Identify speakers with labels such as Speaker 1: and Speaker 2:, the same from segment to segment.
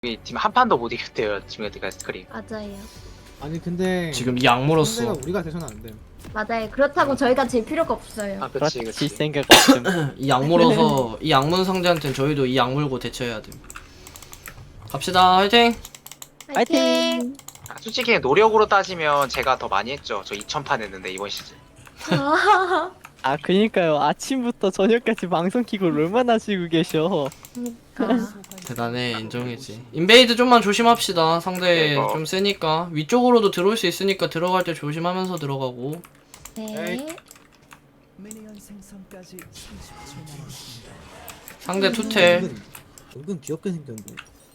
Speaker 1: 이 팀 한 판도 못 이겼대요. 지금 여태까지 스크림.
Speaker 2: 맞아요.
Speaker 3: 아니 근데
Speaker 4: 지금 이 악물었어.
Speaker 3: 상대가 우리가 돼서는 안 돼.
Speaker 2: 맞아요. 그렇다고 저희가 질 필요가 없어요.
Speaker 1: 아 그치
Speaker 5: 질
Speaker 1: 그치.
Speaker 5: 생각 없음.
Speaker 4: 이 악물어서 이 악문 상대한테는 저희도 이 악물고 대처해야 돼. 갑시다. 화이팅.
Speaker 5: 파이팅!
Speaker 1: 아, 솔직히 노력으로 따지면 제가 더 많이 했죠. 저 2000판 했는데 이번 시즌.
Speaker 5: 아 그니까요. 아침부터 저녁까지 방송 키고 얼마나 쉬고 계셔.
Speaker 2: 그러니까.
Speaker 4: 대단해. 인정이지. 인베이드 좀만 조심합시다. 상대
Speaker 1: 네,
Speaker 4: 좀 세니까 위쪽으로도 들어올 수 있으니까 들어갈 때 조심하면서 들어가고.
Speaker 2: 네.
Speaker 6: 미니언 생성까지 30초 남았습니다.
Speaker 4: 상대 투텔.
Speaker 3: 은근 귀엽게 생겼는데.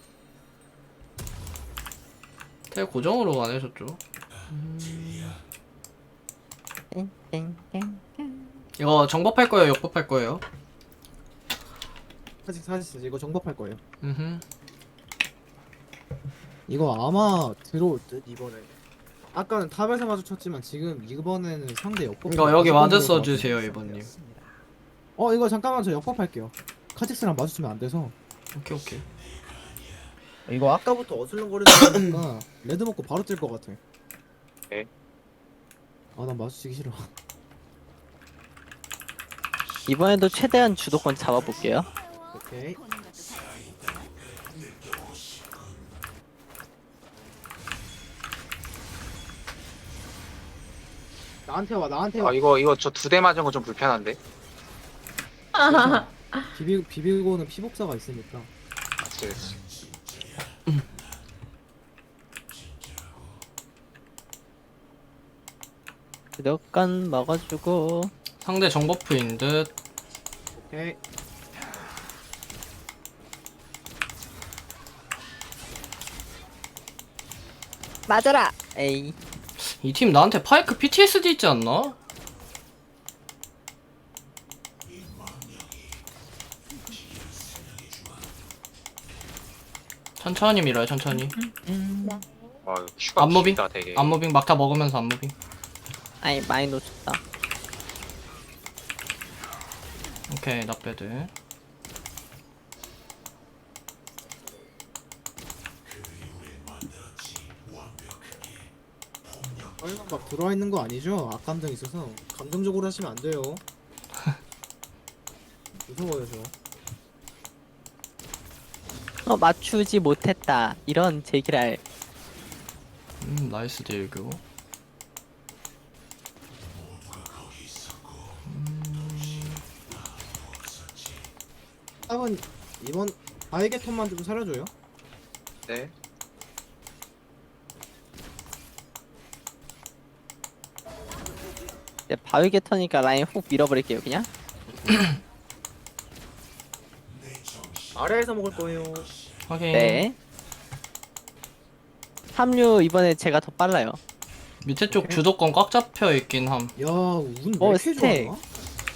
Speaker 4: 텔 고정으로 안 해줬죠.
Speaker 5: 땡땡땡.
Speaker 4: 이거 정법할 거예요. 역법할 거예요.
Speaker 3: 사실 이거 정법할 거예요.
Speaker 4: 음흠.
Speaker 3: 이거 아마 들어올 듯 이번에. 아까는 탑에서 마주쳤지만 지금 이번에는 상대 역법.
Speaker 4: 이거 여기 와드 써주세요 이번님.
Speaker 3: 이거 잠깐만 저 역법할게요. 카직스랑 마주치면 안 돼서.
Speaker 4: 오케이 오케이.
Speaker 3: 이거 아까부터 어슬렁거리는 거니까 레드 먹고 바로 뛸 것 같아.
Speaker 1: 네.
Speaker 3: 난 마주치기 싫어.
Speaker 5: 이번에도 최대한 주도권 잡아볼게요.
Speaker 3: 오케이. 나한테 와, 나한테 와.
Speaker 1: 아 이거 저 2대 맞은 거 좀 불편한데.
Speaker 3: 비비고는 피복사가 있으니까.
Speaker 1: 그치 그치.
Speaker 5: 주도권 먹어주고.
Speaker 4: 상대 정버프인 듯.
Speaker 3: 오케이.
Speaker 5: 맞아라. 에이.
Speaker 4: 이 팀 나한테 파이크 PTSD 있지 않나? 천천히 밀어요 천천히.
Speaker 1: 와 이거 큐가
Speaker 4: 앞무빙?
Speaker 1: 길다 되게.
Speaker 4: 안무빙 막타 먹으면서 안무빙.
Speaker 5: 아이 많이 놓쳤다.
Speaker 4: 오케이 나빼드.
Speaker 3: 설마 막 들어와 있는 거 아니죠? 악감정 있어서 감정적으로 하시면 안 돼요. 무서워요 저.
Speaker 5: 맞추지 못했다. 이런 제기랄.
Speaker 4: 나이스 딜교.
Speaker 3: 탑은 이번 바이게 턴만 좀 살려줘요.
Speaker 1: 네.
Speaker 5: 이제 바위게 터니까 라인 훅 밀어버릴게요 그냥.
Speaker 3: 아래에서 먹을 거예요.
Speaker 4: 확인.
Speaker 5: 네. 합류 이번에 제가 더 빨라요.
Speaker 4: 밑에 쪽
Speaker 3: 오케이.
Speaker 4: 주도권 꽉 잡혀 있긴 함.
Speaker 3: 야, 운왜 이렇게
Speaker 5: 스택.
Speaker 3: 좋아?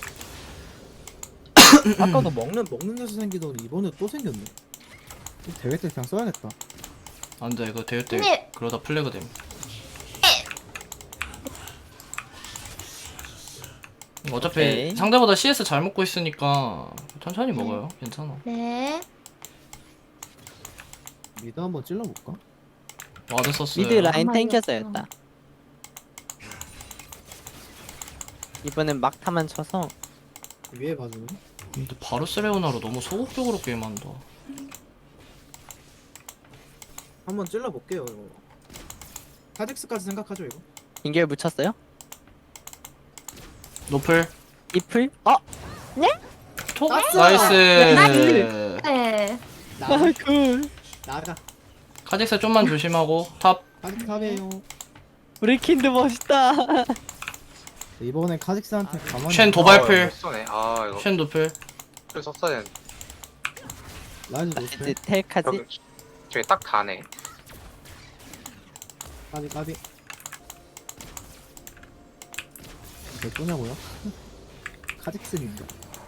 Speaker 3: 아까도 먹는 데서 생기더니 이번에 또 생겼네. 대회 때 그냥 써야겠다.
Speaker 4: 안돼 이거 대회 때
Speaker 2: 근데-
Speaker 4: 그러다 플래그 됨. 어차피
Speaker 5: 오케이.
Speaker 4: 상대보다 CS 잘 먹고 있으니까 천천히 먹어요. 괜찮아.
Speaker 2: 네.
Speaker 3: 미드 한번 찔러볼까?
Speaker 4: 와드 썼어요.
Speaker 5: 미드 라인
Speaker 2: 아마
Speaker 5: 땡겨져야겠다. 이번엔 막타만 쳐서.
Speaker 3: 위에 봐주네.
Speaker 4: 근데 바르셀로나로 너무 소극적으로 게임한다.
Speaker 3: 한번 찔러볼게요. 이거. 카직스까지 생각하죠 이거.
Speaker 5: 인결 묻혔어요?
Speaker 4: 노플.
Speaker 5: 이플?
Speaker 4: 톡.
Speaker 3: 땄어!
Speaker 4: 나이스.
Speaker 2: 네.
Speaker 3: 나가.
Speaker 5: 굿.
Speaker 3: 나가.
Speaker 4: 카직스 좀만 조심하고 탑.
Speaker 3: 카직스 탑이에요.
Speaker 5: 우리 킨드 멋있다.
Speaker 3: 이번에 카직스한테 가만히.
Speaker 4: 쉔 도발풀.
Speaker 1: 이거 쏘네. 아 이거
Speaker 4: 쉔 노플.
Speaker 1: 풀 썼어야 되는데.
Speaker 3: 라이즈
Speaker 5: 이제
Speaker 3: 노스페.
Speaker 5: 텔까지.
Speaker 1: 저기 딱 다네.
Speaker 3: 까비. 몇 도냐고요? 카직스입니다.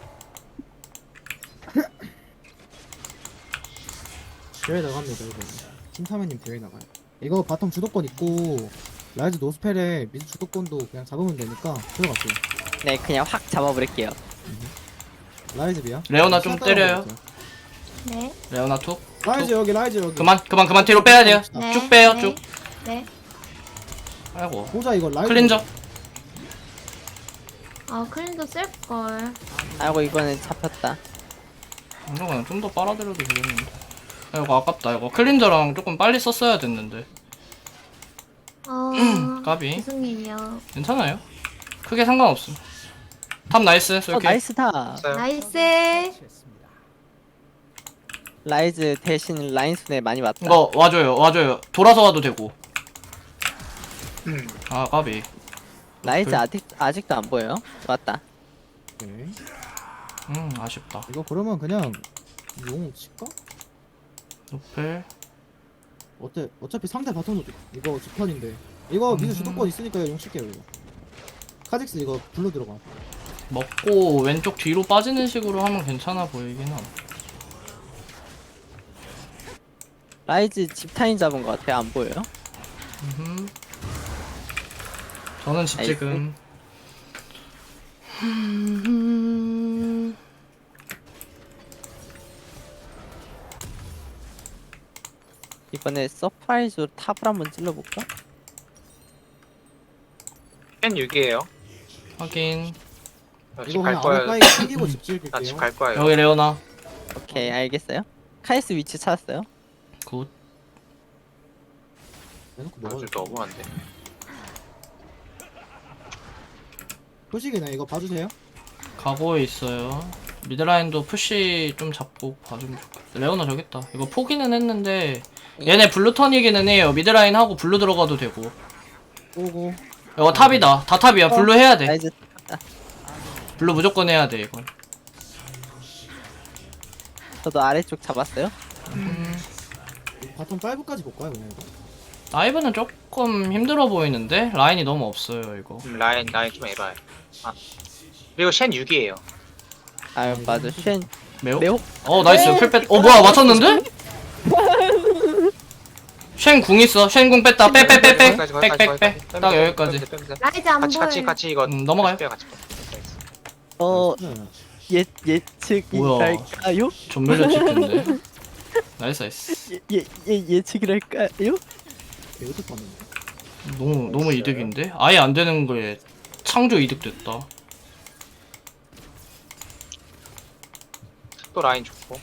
Speaker 3: 대회 나갑니다 이거. 팀사매님 대회 나가요. 이거 바텀 주도권 있고 라이즈 노스펠에 미드 주도권도 그냥 잡으면 되니까 들어갈게요.
Speaker 5: 네 그냥 확 잡아버릴게요.
Speaker 3: 라이즈 비야?
Speaker 4: 레오나 좀 때려요.
Speaker 2: 네.
Speaker 4: 레오나 톡.
Speaker 3: 라이즈 여기 라이즈 여기.
Speaker 4: 그만 뒤로 빼야 돼요.
Speaker 2: 네.
Speaker 4: 쭉 빼요
Speaker 2: 네.
Speaker 4: 쭉.
Speaker 2: 네.
Speaker 4: 아이고.
Speaker 3: 보자 이거 라이즈.
Speaker 4: 클린저.
Speaker 2: 클린도 쓸걸.
Speaker 5: 아이고 이거는 잡혔다.
Speaker 4: 이거 그냥 좀 더 빨아들여도 되겠는데. 이거 아깝다. 이거 클린저랑 조금 빨리 썼어야 됐는데. 까비.
Speaker 2: 죄송해요.
Speaker 4: 괜찮아요. 크게 상관없음. 탑 나이스. 쏠게.
Speaker 5: 나이스다.
Speaker 1: 있어요.
Speaker 2: 나이스.
Speaker 5: 라이즈 대신 라인 손에 많이 맞다.
Speaker 4: 이거 와줘요. 돌아서 와도 되고. 아 까비.
Speaker 5: 라이즈 아직도 안 보여요? 맞다.
Speaker 3: 오케이.
Speaker 4: 아쉽다.
Speaker 3: 이거 그러면 그냥 용 칠까?
Speaker 4: 노펠.
Speaker 3: 어차피 상대 바텀도 이거 집턴인데 이거 미드 주도권 있으니까 용 칠게요 이거. 카직스 이거 블루 들어가.
Speaker 4: 먹고 왼쪽 뒤로 빠지는 식으로 하면 괜찮아 보이긴 함.
Speaker 5: 라이즈 집타인 잡은 것 같아요. 안 보여요?
Speaker 4: 저는 집
Speaker 5: 나이스.
Speaker 4: 지금.
Speaker 5: 이번에 서프라이즈로 탑을 한번 찔러볼까?
Speaker 1: 펜 6이에요.
Speaker 4: 확인.
Speaker 1: 집
Speaker 3: 이거
Speaker 1: 갈
Speaker 3: 그냥 아래
Speaker 1: 거야.
Speaker 3: 까이 챙기고 집
Speaker 1: 나 집
Speaker 3: 지을게요.
Speaker 1: 갈 거예요.
Speaker 4: 여기 레오나.
Speaker 5: 오케이 알겠어요. 카이스 위치 찾았어요.
Speaker 4: 굿.
Speaker 3: 내놓고
Speaker 1: 아,
Speaker 3: 먹어야
Speaker 1: 좀 너무한데.
Speaker 3: 표식이네 이거 봐주세요.
Speaker 4: 가고 있어요. 미드라인도 푸시 좀 잡고 봐주면 좋겠다. 레오나 저기 있다. 이거 포기는 했는데 얘네 블루 턴이기는 해요. 미드라인 하고 블루 들어가도 되고.
Speaker 3: 오고.
Speaker 4: 이거 탑이다. 다 탑이야. 블루 해야 돼.
Speaker 5: 라이즈
Speaker 4: 블루 무조건 해야 돼 이건.
Speaker 5: 저도 아래쪽 잡았어요.
Speaker 3: 바텀 5까지 볼까요 그냥 이거?
Speaker 4: 다이브는 조금 힘들어 보이는데 라인이 너무 없어요 이거.
Speaker 1: 라인 좀 에바해. 그리고 쉔 6이에요.
Speaker 5: 아유 맞아. 쉔
Speaker 4: 매우?
Speaker 5: 매혹
Speaker 4: 나이스 풀뺐. 뭐야 맞췄는데? 쉔궁 있어. 쉔궁 뺐다. 빼빼빼빼. 빽빽빼. 딱 여기까지.
Speaker 2: 라이즈 안 보여.
Speaker 1: 같이 이거
Speaker 4: 넘어가요.
Speaker 1: 빼요, 같이.
Speaker 3: 네.
Speaker 5: 예측일까요?
Speaker 4: 전멸전 찍겠는데. 나이스.
Speaker 5: 예측을 할까요?
Speaker 3: 개우득 봤는데.
Speaker 4: 너무 이득인데? 아예 안 되는 거에 창조 이득 됐다.
Speaker 1: 또 라인 좋고.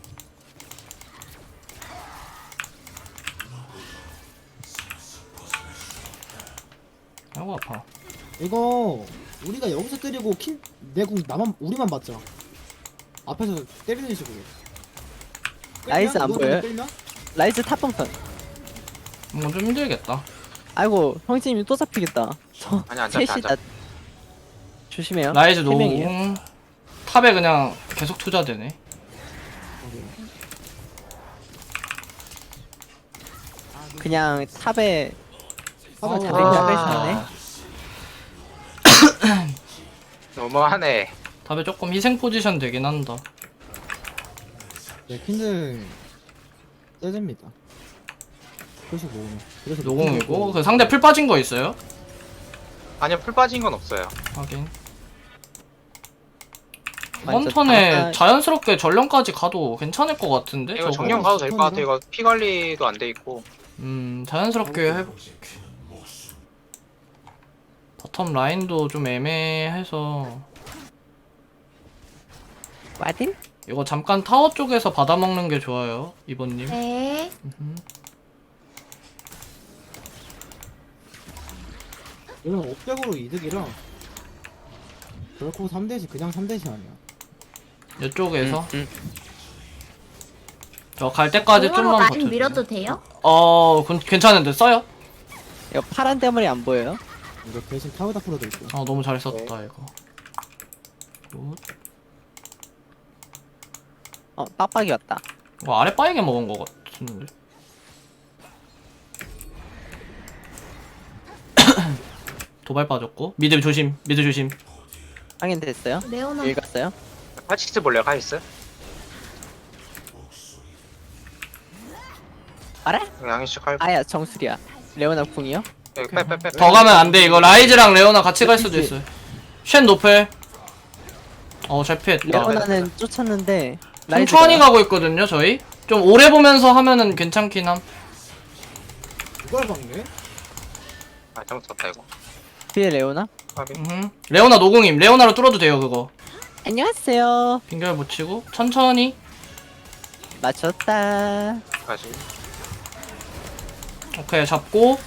Speaker 4: 아이고 아파.
Speaker 3: 이거 우리가 여기서 때리고 내궁 나만 우리만 맞자. 앞에서 때리는 식으로.
Speaker 5: 나이스 안
Speaker 3: 이거
Speaker 5: 보여요?
Speaker 3: 끌면?
Speaker 5: 라이즈 탑봉선.
Speaker 4: 좀 힘들겠다.
Speaker 5: 아이고 형제님이 또 잡히겠다. 저
Speaker 1: 아니, 안 잡혀, 안
Speaker 5: 셋이다. 조심해요.
Speaker 4: 라이즈
Speaker 5: 세 명이에요.
Speaker 4: 노궁. 탑에 그냥 계속 투자되네.
Speaker 5: 그냥 탑에
Speaker 3: 탑을
Speaker 5: 잘
Speaker 3: 잡으면
Speaker 5: 빼시네.
Speaker 1: 너무하네.
Speaker 4: 탑에 조금 희생 포지션 되긴 한다.
Speaker 3: 네, 킨들 세집니다. 표식 모으면. 그래서
Speaker 4: 노궁이고 그 상대 풀 빠진 거 있어요?
Speaker 1: 아니요, 풀 빠진 건 없어요.
Speaker 4: 확인.
Speaker 5: 완전
Speaker 4: 이번 턴에
Speaker 5: 다-
Speaker 4: 자연스럽게 전령까지 가도 괜찮을 것 같은데?
Speaker 1: 이거
Speaker 4: 저거.
Speaker 1: 정령 가도 될 것 같아. 이거 피 관리도 안 돼 있고.
Speaker 4: 자연스럽게 해볼게. 바텀 라인도 좀 애매해서
Speaker 5: 와딜?
Speaker 4: 이거 잠깐 타워 쪽에서 받아먹는 게 좋아요, 이번님.
Speaker 2: 네.
Speaker 3: 이건 업적으로 이득이라 결코 3대시 그냥 3대시 아니야.
Speaker 4: 이쪽에서 저 갈 때까지
Speaker 2: 공으로
Speaker 4: 좀만
Speaker 2: 라인
Speaker 4: 버텨주세요.
Speaker 2: 밀어도 돼요?
Speaker 4: 괜찮은데 써요?
Speaker 5: 이거 파란 대머리 안 보여요?
Speaker 3: 이거 대신 타워다 풀어도 있고.
Speaker 4: 너무 잘 썼다 이거. 굿.
Speaker 5: 빡빡이 왔다.
Speaker 4: 이거 아래 빠이게 먹은 거 같은데. 도발 빠졌고 미드 조심.
Speaker 5: 확인 됐어요?
Speaker 2: 레오나.
Speaker 5: 읽었어요?
Speaker 1: 카직스 볼래요, 카직스?
Speaker 5: 알아?
Speaker 1: 양희씨 칼.
Speaker 5: 아야 정수리야. 레오나 궁이요?
Speaker 1: 여기 빼.
Speaker 4: 더 가면 안 돼. 이거 라이즈랑 레오나 같이 갈 수도 있어요. 쉔 노플. 잘 피했다.
Speaker 5: 레오나는 쫓았는데
Speaker 4: 천천히 가고 있거든요, 저희. 좀 오래 보면서 하면은 괜찮긴 함.
Speaker 3: 누가 박네?
Speaker 1: 아 잘못 썼다 이거.
Speaker 5: 뒤에 레오나?
Speaker 4: 레오나 노공임. 레오나로 뚫어도 돼요 그거.
Speaker 5: 안녕하세요.
Speaker 4: 빙결 붙이고 천천히.
Speaker 5: 맞췄다.
Speaker 1: 가지.
Speaker 4: 오케이 잡고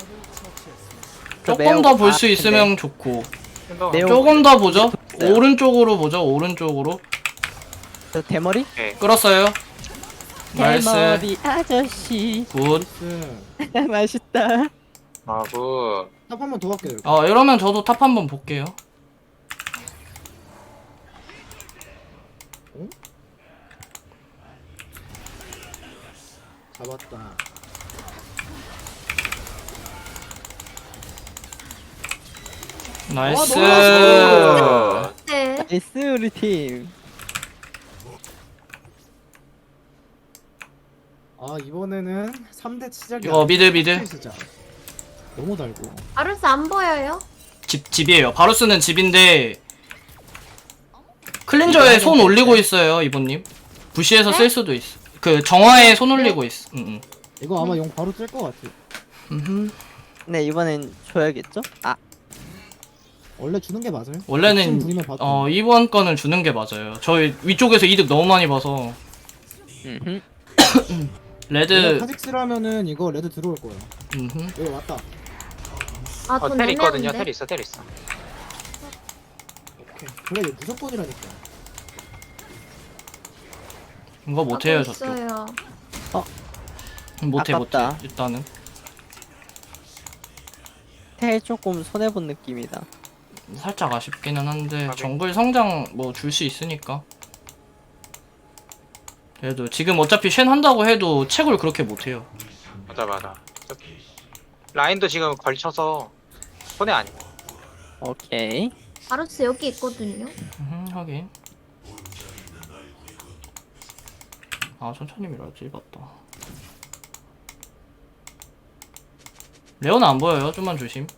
Speaker 5: 저
Speaker 4: 조금
Speaker 5: 매우-
Speaker 4: 더 볼
Speaker 5: 아,
Speaker 4: 수 있으면 좋고
Speaker 5: 매우-
Speaker 4: 조금 더 보죠.
Speaker 5: 있어요.
Speaker 4: 오른쪽으로 보죠. 오른쪽으로
Speaker 5: 저 대머리?
Speaker 4: 끌었어요. 나이스.
Speaker 5: 대머리 아저씨.
Speaker 4: 굿.
Speaker 3: 나이스.
Speaker 5: 맛있다.
Speaker 1: 아구.
Speaker 3: 탑 한 번 더 갈게요.
Speaker 4: 이러면 저도 탑 한번 볼게요.
Speaker 3: 잡았다.
Speaker 4: 나이스.
Speaker 2: 네.
Speaker 5: 나이스 우리 팀.
Speaker 3: 아 이번에는 3대 시작이
Speaker 4: 미드.
Speaker 3: 시작. 너무 달고.
Speaker 2: 바루스 안 보여요?
Speaker 4: 집이에요. 바루스는 집인데 클린저에 손 올리고 있어요 이번님. 부시에서 쓸 수도 있어. 그 정화에 손 올리고 있어.
Speaker 3: 이거 아마 용 바로 뜰 것 같아.
Speaker 5: 네 이번엔 줘야겠죠? 아
Speaker 3: 원래 주는 게 맞아요.
Speaker 4: 원래는
Speaker 3: 욕심 부리면 봐도.
Speaker 4: 이번 거는 주는 게 맞아요. 저희 위쪽에서 이득 너무 많이 봐서
Speaker 5: 음흠.
Speaker 4: 레드.
Speaker 3: 카직스라면은 이거 레드 들어올 거예요. 여기 왔다.
Speaker 2: 아, 돈
Speaker 1: 텔 있거든요.
Speaker 2: 내면인데?
Speaker 1: 텔 있어. 텔 있어.
Speaker 3: 오케이. 그래 이거 무조건이라니까.
Speaker 4: 이거 못해요
Speaker 2: 하고
Speaker 4: 저쪽.
Speaker 2: 있어요.
Speaker 4: 못해
Speaker 5: 아깝다.
Speaker 4: 일단은.
Speaker 5: 텔 조금 손해본 느낌이다.
Speaker 4: 살짝 아쉽기는 한데
Speaker 1: 오케이.
Speaker 4: 정글 성장 뭐 줄 수 있으니까. 그래도 지금 어차피 쉔 한다고 해도 채굴 그렇게 못해요.
Speaker 1: 맞아. 라인도 지금 걸쳐서 손해 아니고.
Speaker 5: 오케이.
Speaker 2: 바루스 여기 있거든요.
Speaker 4: 하긴. 아 천천히 밀어야지. 맞다. 레오나 안 보여요. 좀만 조심.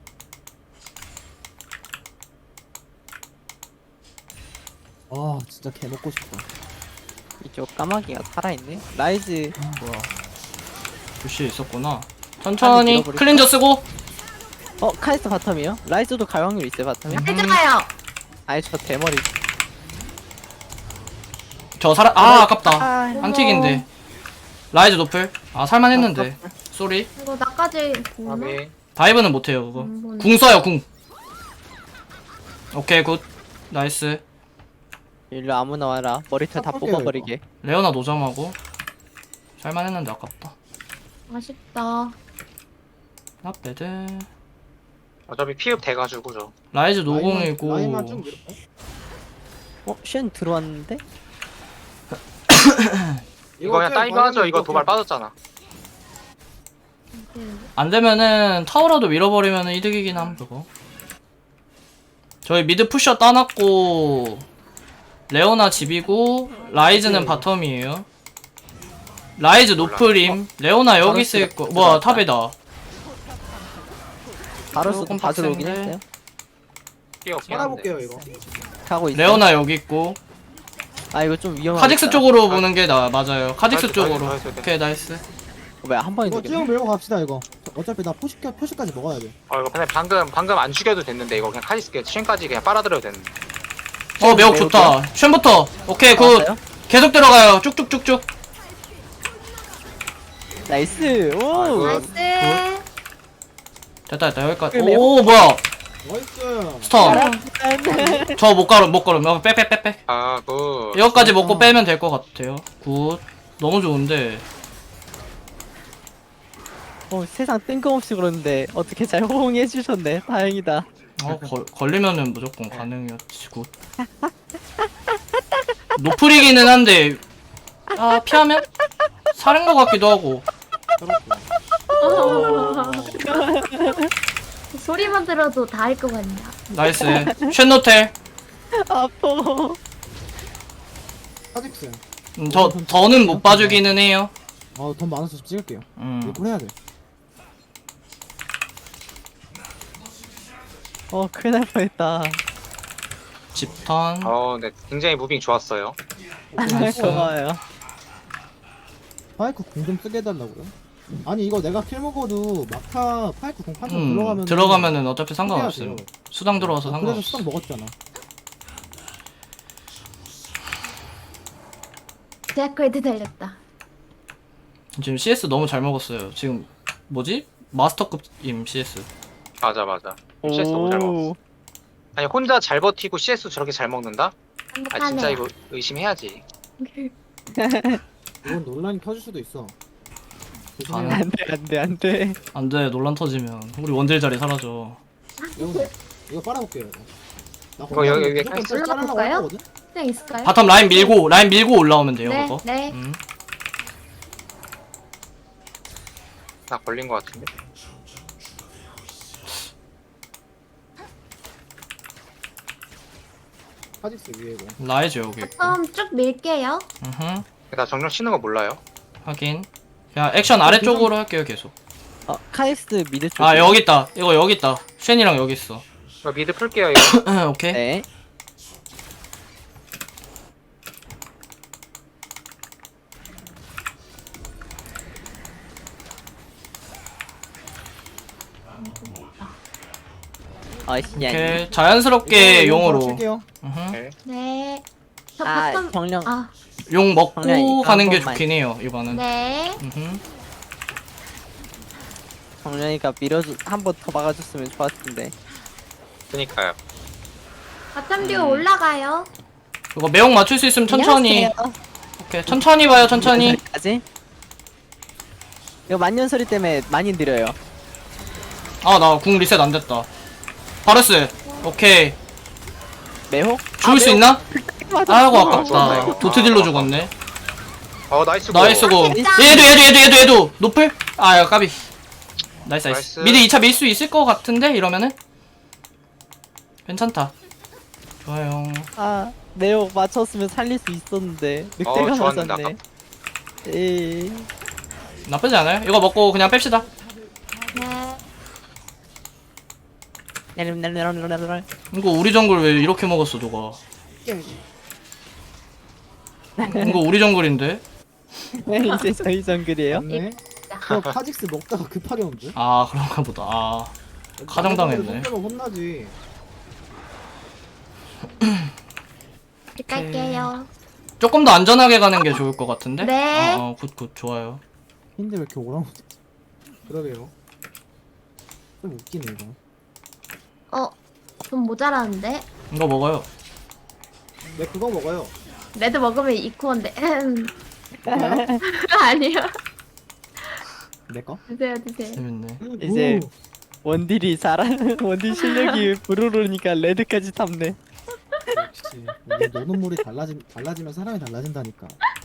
Speaker 3: 아 진짜 개 먹고 싶다.
Speaker 5: 이쪽 까마귀가 살아있네. 라이즈
Speaker 4: 뭐야. 부시에 있었구나. 천천히
Speaker 5: 밀어버릴까?
Speaker 4: 클린저 쓰고.
Speaker 5: 카이스트 바텀이요? 라이즈도 갈 확률 있어요 바텀에?
Speaker 2: 해줘요.
Speaker 5: 아니 저 대머리.
Speaker 4: 저 살아. 아깝다.
Speaker 5: 아,
Speaker 4: 안틱인데. 라이즈 노플. 살만했는데. 쏘리.
Speaker 2: 이거 나까지 보나?
Speaker 1: 아비.
Speaker 4: 다이브는 못해요 그거.
Speaker 2: 안 보네.
Speaker 4: 궁 써요 궁. 오케이 굿. 나이스.
Speaker 5: 일로 아무나 와라. 머리털 다
Speaker 3: 섞을게요,
Speaker 5: 뽑아버리게.
Speaker 4: 레오나 노점하고. 살만했는데 아깝다.
Speaker 2: 아쉽다.
Speaker 4: 나배드.
Speaker 1: 어차피 피흡 돼가지고 저.
Speaker 4: 라이즈
Speaker 3: 라인만
Speaker 4: 노공이고.
Speaker 3: 쭉 밀어.
Speaker 5: 쉔 들어왔는데?
Speaker 1: 이거 그냥
Speaker 3: 어차피
Speaker 1: 따이거 하죠.
Speaker 3: 바람이
Speaker 1: 이거 도발 빠졌잖아.
Speaker 4: 안 되면은 타워라도 밀어버리면은 이득이긴 함 그거. 저희 미드 푸셔 따놨고 레오나 집이고 라이즈는 바텀이에요. 라이즈 노프림. 레오나 여기 있을 거. 뭐야 탑에다.
Speaker 5: 바로스
Speaker 4: 조금
Speaker 5: 다 들어오긴
Speaker 4: 빡센데.
Speaker 5: 했어요.
Speaker 1: 끼 없긴 한데.
Speaker 3: 살아볼게요 이거.
Speaker 5: 가고 있어.
Speaker 4: 레오나 여기 있고.
Speaker 5: 아 이거 좀 위험하다.
Speaker 4: 카직스 쪽으로 보는 게 맞아요. 카직스
Speaker 1: 나이스,
Speaker 4: 쪽으로.
Speaker 1: 나이스, 나이스.
Speaker 4: 오케이 나이스.
Speaker 5: 왜한 번에
Speaker 3: 이거
Speaker 5: 되겠네?
Speaker 3: 쭉 밀고 갑시다 이거. 어차피 나 표시까지 먹어야 돼.
Speaker 1: 이거 근데 방금 안 죽여도 됐는데 이거 그냥 카리스게 쉔까지 그냥 빨아들여도 됐는데.
Speaker 4: 매혹 좋다. 쉔부터. 오케이 굿.
Speaker 5: 나왔어요?
Speaker 4: 계속 들어가요. 쭉쭉쭉쭉.
Speaker 5: 나이스. 오.
Speaker 1: 아이고.
Speaker 2: 나이스.
Speaker 4: 됐다 여기까지.
Speaker 5: 매혹.
Speaker 4: 오 뭐야.
Speaker 3: 나이스.
Speaker 4: 스턴. 저 못 걸음. 빼.
Speaker 1: 아 그.
Speaker 4: 이거까지 먹고 빼면 될 것 같아요. 굿. 너무 좋은데.
Speaker 5: 세상 뜬금없이 그러는데 어떻게 잘 호응해 주셨네. 다행이다.
Speaker 4: 걸리면은 무조건 가능이었지. 굿. 노플이기는 한데 피하면 살인 것 같기도 하고.
Speaker 2: 소리만 들어도 다 할 것 같냐.
Speaker 4: 나이스. 쉔노텔.
Speaker 5: 아파.
Speaker 3: 카직스.
Speaker 4: 저는 못 봐주기는 해요.
Speaker 3: 돈 많아서 좀 찍을게요. 이거 해야 돼.
Speaker 5: 큰일 날 뻔했다.
Speaker 4: 집턴.
Speaker 1: 네 굉장히 무빙 좋았어요.
Speaker 5: 고마워요.
Speaker 3: 파이크 궁 좀 쓰게 해달라고요? 아니 이거 내가 킬 먹어도 막타 파이크 궁 판정 들어가면
Speaker 4: 들어가면은 어차피 상관없음.
Speaker 3: 돼요.
Speaker 4: 수당 들어와서
Speaker 3: 그래서
Speaker 4: 상관없어.
Speaker 3: 수당 먹었잖아.
Speaker 2: 데아크레드 달렸다.
Speaker 4: 지금 CS 너무 잘 먹었어요. 지금 뭐지? 마스터급임 CS.
Speaker 1: 맞아. CS 너무 잘 먹었어. 아니 혼자 잘 버티고 CS 저렇게 잘 먹는다? 아 진짜
Speaker 2: 행복하네요.
Speaker 1: 이거 의심해야지.
Speaker 3: 이건 논란이 터질 수도 있어. 조심해요.
Speaker 4: 아,
Speaker 5: 안돼.
Speaker 4: 안돼 논란 터지면 우리 원딜 자리 사라져.
Speaker 3: 이거 빨아볼게요. 이거. 나
Speaker 1: 이거 여기 위에
Speaker 3: 무조건
Speaker 1: 깔-
Speaker 3: 짤하려고
Speaker 2: 깔아볼까요?
Speaker 3: 했거든?
Speaker 2: 그냥 있을까요?
Speaker 4: 바텀 라인 밀고 올라오면 돼요
Speaker 2: 네,
Speaker 4: 그거.
Speaker 2: 네.
Speaker 1: 나 걸린 거 같은데.
Speaker 3: 카직스 위에 이거.
Speaker 4: 라이즈 여기 있고.
Speaker 2: 바텀 쭉 밀게요.
Speaker 1: 나 정령 치는 거 몰라요.
Speaker 4: 확인. 그냥 액션 아래쪽으로 할게요 계속.
Speaker 5: 카이스트 미드 쪽.
Speaker 4: 아 여기 있다. 이거 여기 있다. 쉔이랑 여기 있어.
Speaker 1: 이거 미드 풀게요 이거.
Speaker 4: 오케이.
Speaker 5: 네. 아이씨,
Speaker 4: 오케이. 자연스럽게
Speaker 3: 이거
Speaker 4: 용으로.
Speaker 3: 칠게요.
Speaker 2: 네. 저
Speaker 5: 아,
Speaker 2: 바텀.
Speaker 5: 정령.
Speaker 2: 아,
Speaker 4: 용 먹고
Speaker 5: 정말 이거
Speaker 4: 가는
Speaker 5: 한
Speaker 4: 게
Speaker 5: 번만.
Speaker 4: 좋긴 해요 이거는.
Speaker 2: 네.
Speaker 5: 정령이가 밀어주 한 번 더 막아줬으면 좋았을 텐데.
Speaker 1: 그니까요.
Speaker 2: 바텀 듀오 올라가요.
Speaker 4: 이거 매혹 맞출 수 있으면 천천히.
Speaker 5: 안녕하세요.
Speaker 4: 오케이 천천히 봐요 천천히.
Speaker 5: 까지. 이거 만년소리 때문에 많이 느려요.
Speaker 4: 아 나 궁 리셋 안 됐다. 바르스. 오케이.
Speaker 5: 매혹?
Speaker 4: 죽을 수 있나?
Speaker 5: 맞아.
Speaker 4: 아이고
Speaker 1: 좋았다,
Speaker 4: 아깝다.
Speaker 1: 이거.
Speaker 4: 도트딜로 죽었네.
Speaker 1: 나이스.
Speaker 4: 나이스고. 얘도 노플? 아 야, 까비. 나이스.
Speaker 1: 나이스.
Speaker 4: 미드 2차 밀 수 있을 것 같은데 이러면은 괜찮다. 좋아요.
Speaker 5: 아, 매혹 맞췄으면 살릴 수 있었는데 늑대가
Speaker 1: 좋았는데,
Speaker 5: 맞았네. 에이.
Speaker 4: 나쁘지 않아요. 이거 먹고 그냥 뺍시다.
Speaker 2: 네.
Speaker 4: 이거 우리 정글 왜 이렇게 먹었어 너가? 이거 우리 정글인데?
Speaker 5: 이제 저희 정글이에요?
Speaker 3: 맞네. 저 카직스 먹다가 급하게 온 줄.
Speaker 4: 아 그런가 보다. 아 가정당했네.
Speaker 3: 먹으면 혼나지.
Speaker 2: 집 갈게요.
Speaker 4: 조금 더 안전하게 가는 게 좋을 것 같은데?
Speaker 2: 네.
Speaker 4: 굿 좋아요.
Speaker 3: 근데 왜 이렇게 오랑우지? 그러게요. 좀 웃기네 이거.
Speaker 2: 좀 모자라는데?
Speaker 4: 이거 먹어요.
Speaker 3: 네 그거 먹어요.
Speaker 2: 레드 먹으면 이코인데.
Speaker 3: 먹어요?
Speaker 2: 아니요.
Speaker 3: 내 거?
Speaker 2: 드세요.
Speaker 4: 재밌네.
Speaker 5: 이제
Speaker 3: 오.
Speaker 5: 원딜이 잘하는 원딜 실력이 부르르니까 레드까지 탐네.
Speaker 3: 역시 이게 노는 물이 달라지면 사람이 달라진다니까.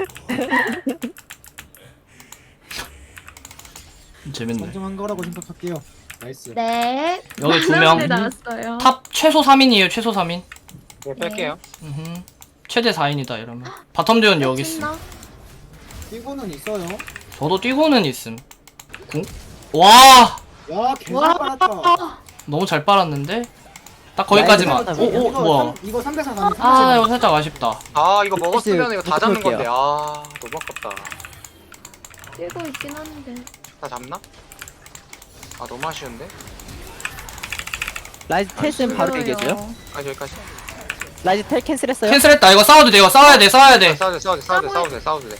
Speaker 4: 재밌네.
Speaker 3: 정정한 거라고 생각할게요. 나이스.
Speaker 2: 네.
Speaker 4: 여기 두
Speaker 2: 많은
Speaker 4: 명.
Speaker 2: 분들 나왔어요.
Speaker 4: 탑 최소 3인이에요. 최소 3인.
Speaker 1: 네, 뺄게요.
Speaker 4: 최대 4인이다 이러면. 바텀 듀오는 여기 있음.
Speaker 2: 신나?
Speaker 3: 뛰고는 있어요.
Speaker 4: 저도 뛰고는 있음. 궁? 와
Speaker 3: 야 개잘 빨았다.
Speaker 4: 너무 잘 빨았는데? 딱 거기까지만.
Speaker 5: 라이브
Speaker 4: 오 뭐야?
Speaker 3: 이거 3대4 가면
Speaker 4: 아 이거 살짝 아쉽다.
Speaker 1: 이거 먹었으면 이거 다 잡는
Speaker 5: 볼게요.
Speaker 1: 건데. 너무 아깝다.
Speaker 2: 뛰고 있긴 한데.
Speaker 1: 다 잡나? 너무 아쉬운데.
Speaker 5: 라이즈 텔은 바로 얘기해줘요.
Speaker 1: 여기까지.
Speaker 5: 라이즈 텔 캔슬했어요?
Speaker 4: 캔슬했다. 이거 싸워도 돼. 이거 싸워야 돼. 싸워야 돼.
Speaker 1: 싸워도 돼.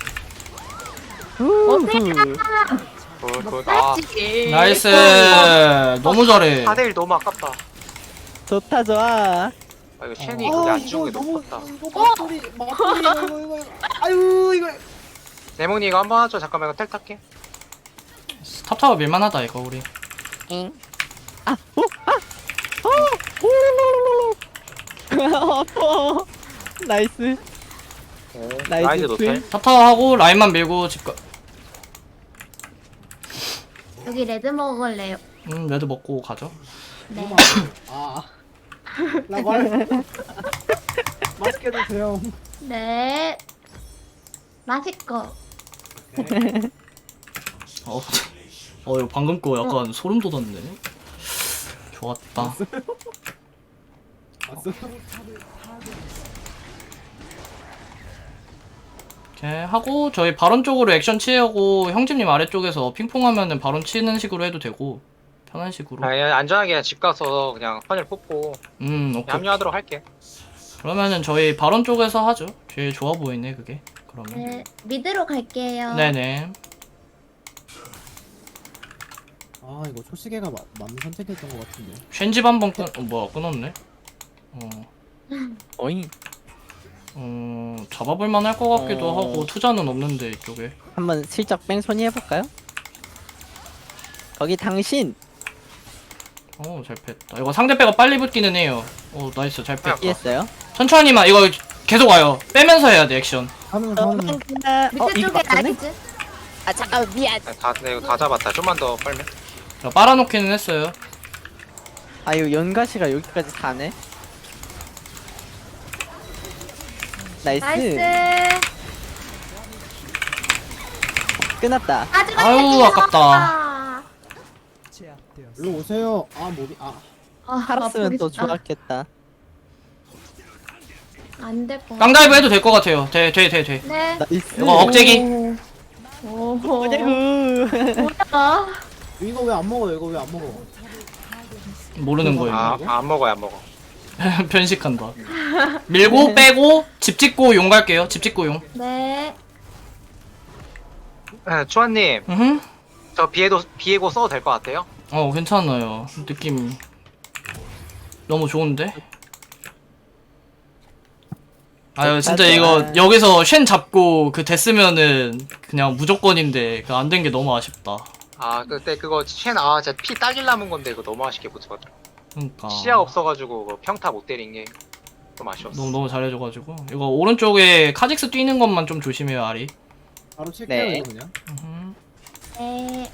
Speaker 1: 굿.
Speaker 4: 나이스. 너무 잘해.
Speaker 1: 4대1 너무 아깝다.
Speaker 5: 좋다 좋아.
Speaker 1: 이거 쉔이 그게 안 죽은 게 너무 아깝다.
Speaker 3: 이거 막소리 이거. 아유 이거.
Speaker 1: 네모니 이거 한번 하죠. 잠깐만 이거 텔 탈게.
Speaker 4: 탑타워 밀만하다 이거 우리.
Speaker 5: 나이스.
Speaker 1: 라이즈
Speaker 5: 라이즈
Speaker 1: 노텔.
Speaker 4: 탑타워 하고 라인만 밀고 집 가.
Speaker 2: 여기 레드 먹을래요.
Speaker 4: 레드 먹고 가죠.
Speaker 2: 네.
Speaker 3: 라발. 맛있게 드세요.
Speaker 2: 네. 맛있고.
Speaker 4: 이거 방금 거 약간 소름 돋았네. 좋았다.
Speaker 3: 왔어.
Speaker 4: 이렇게 하고 저희 바론 쪽으로 액션 취하고 형집님 아래쪽에서 핑퐁하면은 바론 치는 식으로 해도 되고 편한 식으로.
Speaker 1: 아니 안전하게 그냥 집 가서 그냥 선을 뽑고
Speaker 4: 오케이.
Speaker 1: 합류하도록 할게.
Speaker 4: 그러면은 저희 바론 쪽에서 하죠. 제일 좋아 보이네 그게. 그러면.
Speaker 2: 네, 미드로 갈게요.
Speaker 4: 네네.
Speaker 3: 아 이거 초시계가 맞는 선택이었던 것 같은데.
Speaker 4: 쉔집 한번 뭐야 끊었네.
Speaker 5: 어잉.
Speaker 4: 잡아볼만 할 것 같기도
Speaker 5: 어.
Speaker 4: 하고 투자는 없는데 이쪽에.
Speaker 5: 한번 슬쩍 뺑소니 해볼까요? 거기 당신
Speaker 4: 잘 뺐다. 이거 상대 빼가 빨리 붙기는 해요. 나이스 잘 뺐다.
Speaker 5: 이해했어요?
Speaker 4: 천천히만 이거 계속 와요. 빼면서 해야 돼 액션.
Speaker 3: 하는
Speaker 2: 밑에 쪽에
Speaker 5: 맞네?
Speaker 2: 라이즈.
Speaker 5: 아 잠깐 미안.
Speaker 1: 이거 다 잡았다. 좀만 더 빨면.
Speaker 4: 자, 빨아놓기는 했어요.
Speaker 5: 아 이거 연가시가 여기까지 가네. 나이스.
Speaker 2: 나이스.
Speaker 5: 끝났다.
Speaker 4: 아유, 아깝다.
Speaker 6: 제압되었습니다.
Speaker 3: 일로 오세요. 아 몸이
Speaker 5: 살았으면 또 좋았겠다.
Speaker 2: 안될 거.
Speaker 4: 깡다이브 해도 될 것 같아요. 돼.
Speaker 2: 네.
Speaker 5: 나이스.
Speaker 4: 이거 억제기.
Speaker 2: 오호.
Speaker 5: 뭐냐고.
Speaker 2: 뭐야?
Speaker 3: 이거 왜 안 먹어요? 이거 왜 안 먹어?
Speaker 4: 모르는 거예요.
Speaker 1: 안 먹어요 안 먹어.
Speaker 4: 편식한다. 밀고 빼고 집 짓고 용 갈게요. 집 짓고 용.
Speaker 2: 네.
Speaker 1: 추한님
Speaker 4: 음.
Speaker 1: 저 비에고 써도 될 것 같아요?
Speaker 4: 괜찮아요. 느낌이 너무 좋은데. 아유 진짜 이거 여기서 쉔 잡고 그 됐으면은 그냥 무조건인데 그 안 된 게 너무 아쉽다.
Speaker 1: 그때 그거 진짜 피 딱일 남은 건데 이거 너무 아쉽게 붙었죠.
Speaker 4: 그러니까
Speaker 1: 시야 없어가지고 그거 평타 못 때린 게 좀 아쉬웠어.
Speaker 4: 너무 잘해줘가지고 이거 오른쪽에 카직스 뛰는 것만 좀 조심해요 아리.
Speaker 3: 바로 칠게요
Speaker 5: 네.
Speaker 3: 이거 그냥.
Speaker 2: 네.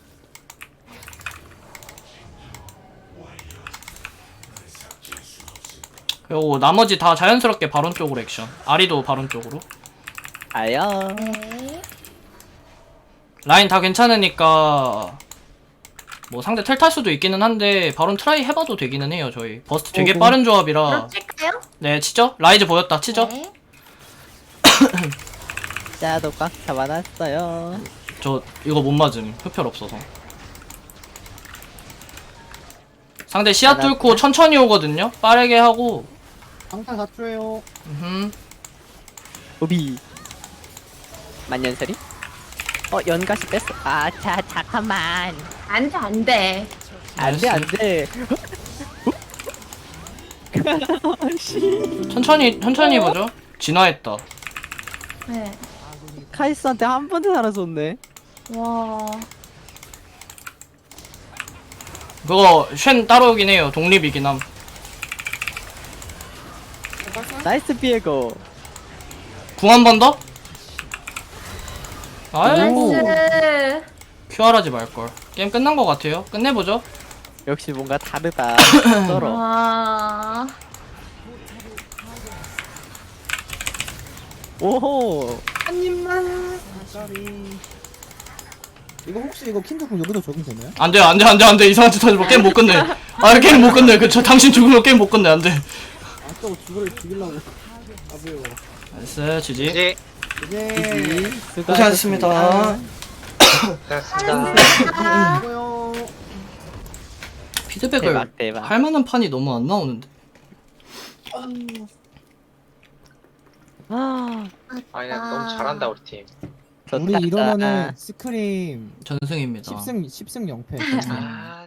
Speaker 4: 그리고 나머지 다 자연스럽게 바론 쪽으로 액션. 아리도 바론 쪽으로.
Speaker 5: 아야.
Speaker 2: 네.
Speaker 4: 라인 다 괜찮으니까 뭐 상대 텔 탈 수도 있기는 한데 바론 트라이 해봐도 되기는 해요 저희. 버스트 되게 빠른 조합이라.
Speaker 2: 그럼 칠까요?
Speaker 4: 네 치죠? 라이즈 보였다 치죠?
Speaker 2: 네.
Speaker 5: 자도 꽉 잡아놨어요.
Speaker 4: 저 이거 못 맞음 흡혈 없어서. 상대 시야 뚫고 천천히 오거든요? 빠르게 하고.
Speaker 3: 방탄 4초에요.
Speaker 5: 오비. 만년설이? 연가시 뺐어. 자 잠깐만.
Speaker 2: 안 돼, 안 돼.
Speaker 5: 안돼 안돼.
Speaker 4: 천천히 보죠. 진화했다.
Speaker 2: 네.
Speaker 5: 카이스한테 한 번도 살아줬네.
Speaker 2: 와.
Speaker 4: 그거 쉔 따라오긴 해요. 독립이긴 함.
Speaker 5: 나이스 비에고.
Speaker 4: 궁 한 번 더? 아이고
Speaker 2: 나이스.
Speaker 4: 큐알하지 말걸. 게임 끝난 것 같아요. 끝내보죠.
Speaker 5: 역시 뭔가 다르다. 썰어.
Speaker 2: 와.
Speaker 5: 오호.
Speaker 2: 한 입만.
Speaker 3: 이거 혹시 이거 킨드ኩም 여기도 적용되나요?
Speaker 4: 안돼 이상한 짓 하지 마. 게임 못 끝내. 게임 못 끝내. 저 당신 죽으면 게임 못 끝내. 안돼.
Speaker 3: 저거 죽이려고. 아부요.
Speaker 4: 나이스 지지.
Speaker 1: 이제
Speaker 3: 이제
Speaker 4: 고생하셨습니다.
Speaker 1: 됐습니다.
Speaker 3: 이거요.
Speaker 4: 피드백을
Speaker 5: 대박.
Speaker 4: 할 만한 판이 너무 안 나오는데.
Speaker 1: 아니 너무 잘한다 우리 팀.
Speaker 3: 우리 이러면은 스크림
Speaker 4: 전승입니다.
Speaker 3: 10승 0패.
Speaker 1: 아